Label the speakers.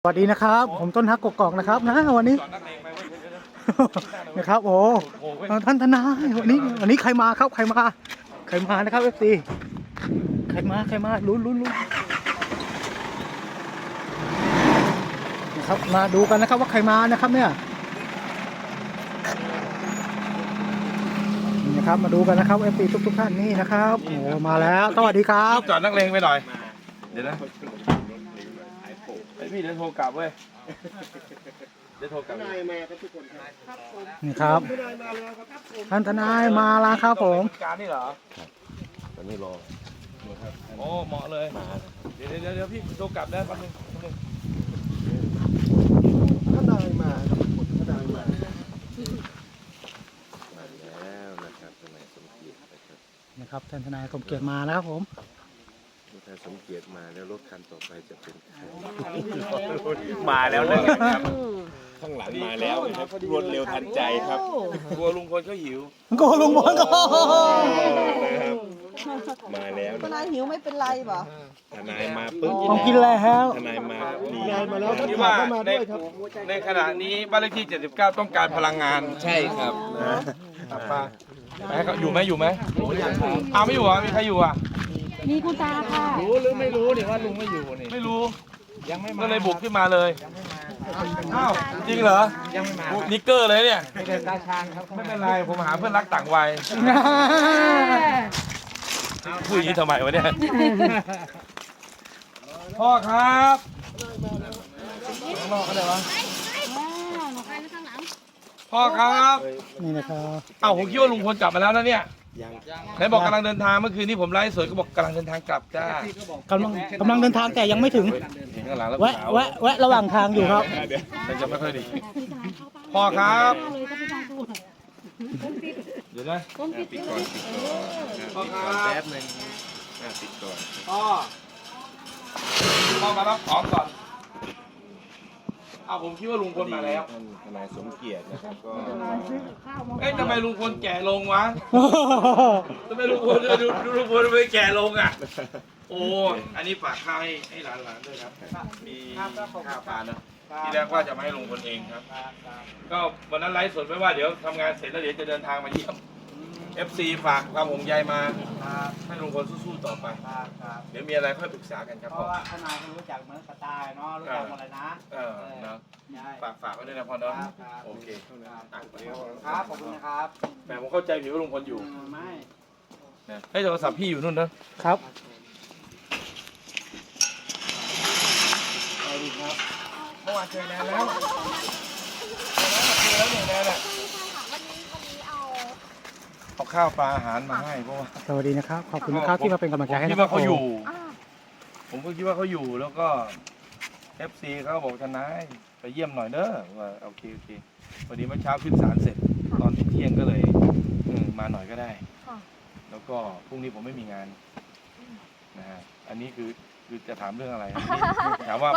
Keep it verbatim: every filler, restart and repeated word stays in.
Speaker 1: สวัสดีนะครับผมต้นฮักกกอกนะครับนะวันนี้นะครับโอ้ท่านทนายวันนี้วันนี้ใครมาครับใครมาใครมานะครับเอฟซีใครมาใครมาลุ้นลุ้นลุ้นนะครับมาดูกันนะครับว่าใครมานะครับเนี่ยนี่นะครับมาดูกันนะครับเอฟซีทุกทุกท่านนี่นะครับโอ้มาแล้วสวัสดีครับ
Speaker 2: จอดนักเลงไปหน่อยเดี๋ยวนะไอพี่เดี๋ยวโทรกลับเว้ยเดี๋ยวโทรกลับนายมาครับทุกคนครับ
Speaker 1: นี่ครับท่านทนายมาแล้วครับผม
Speaker 2: การนี่เหรอตอนนี้รอโอ้เหมาะเลยเดี๋ยวเดี๋ยวเดี๋ยวพี่โทรกลับได้แป๊บนึง
Speaker 3: ท่านนายมาครับท่านนายมา
Speaker 4: มาแล้วนะครับทนายสมเกียรตินะครับ
Speaker 1: นะครับท่านทนายสมเกียรติมาแล้วครับผม
Speaker 4: ถ้าสมเกียรติมาแล้วรถคันต่อไปจะเป็นใคร
Speaker 2: มาแล้วเลยครับ
Speaker 4: ข้างหลังมาแล้วนะครับรวดเร็วทันใจครับ
Speaker 2: กลัวลุงพลเขาหิว
Speaker 1: โกลุงพลก็
Speaker 4: มาแล้ว
Speaker 5: ทนายหิวไม่เป็นไรบ่
Speaker 4: ทนายมาปึ๊บ
Speaker 1: ต้องกินแล้ว
Speaker 4: ทนายมาดี
Speaker 3: นายมาแล้วท่าน
Speaker 2: ที่
Speaker 3: ข่า
Speaker 2: ว่าว
Speaker 3: ก็มา
Speaker 2: ใน
Speaker 3: ด้วยครับ
Speaker 2: ในขณะนี้บ้านเลขที่เจ็ดสิบเก้าต้องการพลังงาน
Speaker 4: ใช่ครับ
Speaker 2: ครับป้าไปให้เขาอยู่ไหมอยู่ไหมอ้าวไม่อยู่อ่ะมีใครอยู่อ่ะ
Speaker 6: มีคุณตาค่ะ
Speaker 2: รู้หรือไม่รู้นี่ว่าลุงไม่อยู่นี่ไม่รู้ยังไม่มาก็เลยบุกขึ้นมาเลยอ้าวจริงเหรอยังไม่มานิกเกอร์เลยเนี่ยไม่เป็นตาชางครับไม่เป็นไรผมหาเพื่อนรักต่างวัยพูดอย่างนี้ทำไมวะเนี่ยพ่อครับข้างนอกก็ได้วะพ่อครับ
Speaker 1: นี่นะครับ
Speaker 2: เอ้าผมคิดว่าลุงพลกลับมาแล้วนะเนี่ย
Speaker 4: ยัง
Speaker 2: ไหนบอกกำลังเดินทางเมื่อคืนนี้ผมไลฟ์สดก็บอกกำลังเดินทางกลับจ้าก
Speaker 1: ำลังกำลังเดินทางแต่ยังไม่ถึง
Speaker 2: เห็นข้างหลังแล้ว
Speaker 1: แวะแวะแวะระหว่างทางอยู่ครับ
Speaker 2: มันจะไม่ค่อยดีพ่อครับเดี๋ยวนะ
Speaker 4: ปิดก่อนปิดก่อน
Speaker 2: พ่อครับ
Speaker 4: แป๊บนึงปิดก่อน
Speaker 2: พ่อพ่อมารับของก่อนเอาผมคิดว่าลุงพลมาแล้ว
Speaker 4: ท่านทนายสมเกียรตินะครับก็
Speaker 2: เอ๊ะทำไมลุงพลแก่ลงวะทำไมลุงพลดูดูลุงพลทำไมแก่ลงอ่ะโอ้อันนี้ฝากข้าวให้ให้หลานๆด้วยครับมีข้าวปลาเนาะที่แรกว่าจะมาให้ลุงพลเองครับก็วันนั้นไลฟ์สดไว้ว่าเดี๋ยวทำงานเสร็จแล้วเดี๋ยวจะเดินทางมาเยี่ยม เอฟ ซี ฝากความห่วงใยมาให้ลุงพลสู้ๆต่อไปเดี๋ยวมีอะไรค่อยปรึกษากันครับ
Speaker 7: เพราะว่าทนายเขารู้จักเหมือนสไตล์เนาะรู้จักหมดเลยนะ
Speaker 2: เออเนาะ
Speaker 7: ใช่
Speaker 2: ฝากฝากไว้ด้วยนะพ่อเนาะ
Speaker 7: ครับครับ
Speaker 2: โอเคอ่ะ
Speaker 7: ครับขอบคุณนะครับ
Speaker 2: แหมผมเข้าใจผิดว่าลุงพลอยู่
Speaker 7: เออไม่
Speaker 2: นะให้โทรศัพท์พี่อยู่นู่นนะครับ สวัสดีครับเมื่อวานเจอแนนแล้วเจอแล้วเนี่ยแนนอะเอาข้าวปลาอาหารมาให้เพราะว่า
Speaker 1: สวัสดีนะครับขอบคุณนะครับที่มาเป็นกำลังใจให้
Speaker 2: ผมคิ
Speaker 1: นะ
Speaker 2: ด
Speaker 1: ครั
Speaker 2: ว่า
Speaker 1: บ
Speaker 2: เขาอยู่ ผมก็คิดว่าเขาอยู่แล้วก็ เอฟ ซี เขาบอกทนายไปเยี่ยมหน่อยเด้อว่าโอเคโอเคพอดีเมื่อเช้าขึ้นศาลเสร็จตอนเที่ยงก็เลยอืมมาหน่อยก็ได้แล้วก็พรุ่งนี้ผมไม่มีงานนะฮะอันนี้คือคือจะถามเรื่องอะไรถามว่า